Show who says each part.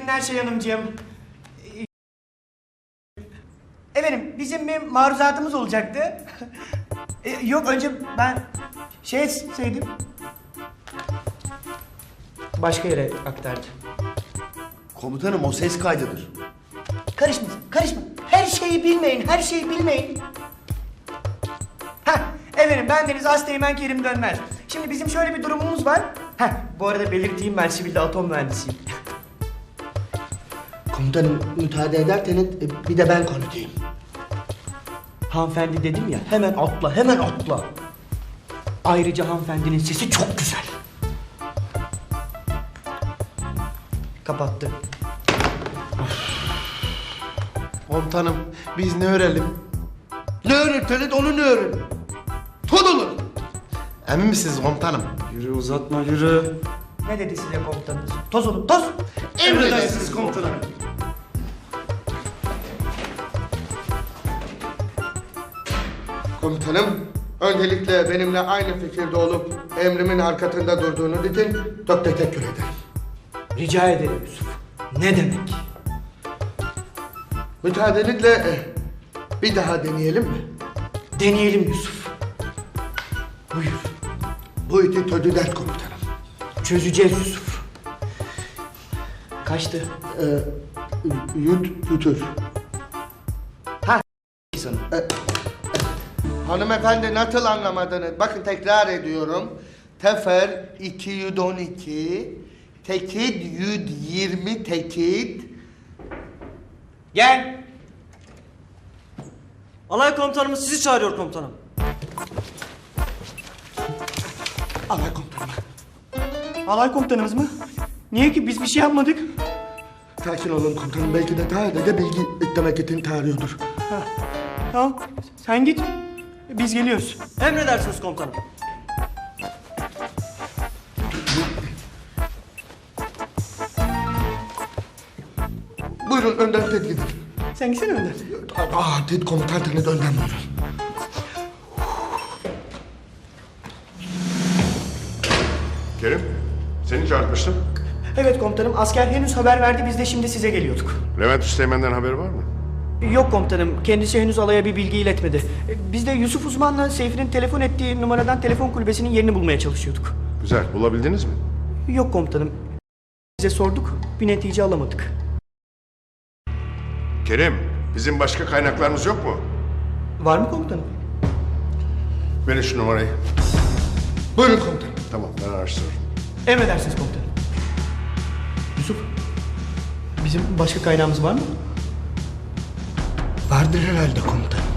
Speaker 1: günler Şey Hanımcığım. Efendim bizim bir maruzatımız olacaktı. Yok önce ben şey etseydim. Başka yere aktardı.
Speaker 2: Komutanım o ses kaydıdır.
Speaker 1: Karışma, karışma. Her şeyi bilmeyin, her şeyi bilmeyin. Heh, efendim bendeniz Asteğmen Kerim Dönmez. Şimdi bizim şöyle bir durumumuz var. Heh, bu arada belirteyim ben sivilde atom mühendisiyim.
Speaker 2: Komutanım müsaade ederseniz bir de ben konuşayım.
Speaker 1: Hanımefendi dedim ya, hemen atla, hemen atla. Ayrıca hanımefendinin sesi çok güzel. Kapattı.
Speaker 3: Komutanım biz ne öğrenelim?
Speaker 2: Ne öğretirseniz onu ne öğrenin. Tut olur.
Speaker 3: Emin misiniz komutanım?
Speaker 4: Yürü uzatma yürü.
Speaker 1: Ne dedi size komutanınız? Toz olun, toz!
Speaker 3: Emredersiniz komutanım.
Speaker 5: Komutanım, öncelikle benimle aynı fikirde olup emrimin arkasında durduğunuz için çok teşekkür ederim.
Speaker 1: Rica ederim Yusuf. Ne demek?
Speaker 5: Müsaadenizle bir daha deneyelim mi?
Speaker 1: Deneyelim Yusuf. Buyur.
Speaker 5: Bu işi çözeceğiz komutanım.
Speaker 1: Çözeceğiz Yusuf. Kaçtı?
Speaker 5: Yutur.
Speaker 1: Ha sana.
Speaker 5: Hanımefendi nasıl anlamadınız? Bakın tekrar ediyorum. Tefer 212, tekit 120 tekit.
Speaker 1: Gel.
Speaker 4: Alay komutanımız sizi çağırıyor komutanım.
Speaker 5: Alay komutanım.
Speaker 1: Alay komutanımız mı? Niye ki biz bir şey yapmadık?
Speaker 5: Sakin olun komutanım. Belki de sadece bilgi eklemek için çağırıyordur.
Speaker 1: Tamam. Sen git. Biz geliyoruz.
Speaker 4: Emredersiniz komutanım.
Speaker 5: Buyurun önden siz gidin.
Speaker 1: Sen gitsene önden.
Speaker 5: Siz komutansanız önden buyurun.
Speaker 6: Kerim, seni çağırtmıştım.
Speaker 1: Evet komutanım. Asker henüz haber verdi. Biz de şimdi size geliyorduk.
Speaker 6: Levent Üsteğmen'den haberi var mı?
Speaker 1: Yok komutanım. Kendisi henüz alaya bir bilgi iletmedi. Biz de Yusuf Uzman'la Seyfi'nin telefon ettiği numaradan telefon kulübesinin yerini bulmaya çalışıyorduk.
Speaker 6: Güzel, bulabildiniz mi?
Speaker 1: Yok komutanım. Bize sorduk. Bir netice alamadık.
Speaker 6: Kerim, bizim başka kaynaklarımız yok mu?
Speaker 1: Var mı komutanım?
Speaker 6: Verin şu numarayı.
Speaker 5: Buyurun komutanım.
Speaker 6: Tamam, ben araştırırım.
Speaker 1: Emredersiniz komutanım. Yusuf, bizim başka kaynağımız var mı?
Speaker 5: Vardır herhalde komutanım.